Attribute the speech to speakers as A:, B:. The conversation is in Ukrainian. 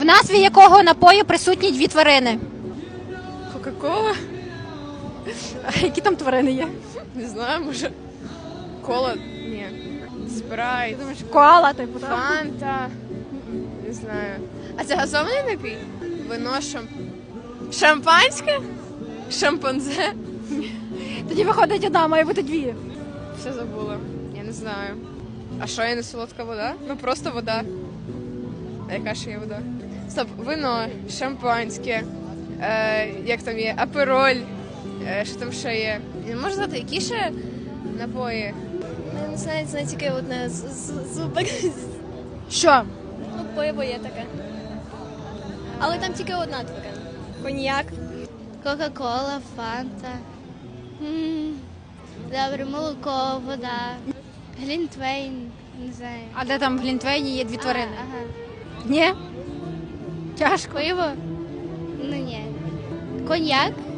A: В назві якого напою присутні дві тварини?
B: Кока-кола?
A: А які там тварини є?
B: Не знаю, може. Кола? Ні. Спрайт.
A: Думаєш, коала, типу, так?
B: Фанта. Не знаю. А це газований напій? Вино шампанське? Шампанзе?
A: Тоді виходить одна, має бути дві.
B: Все забула. Я не знаю. А що, я не солодка вода? Ну просто вода. А яка ще є вода? Стоп, вино, шампанське, як там є, апероль, що там ще є? Не можу знати, які ще напої?
C: Не знаю, це тільки одне зубик.
A: Що?
C: Ну, пиво є таке. Але там тільки одна така. Коньяк.
D: Кока-кола, фанта. Добре, молоко, вода. Глінтвейн, не знаю.
A: А де там в Глінтвейні є дві тварини?
D: Ага.
A: Ні? Тяжко.
D: Пиво? Ну ні. Коньяк?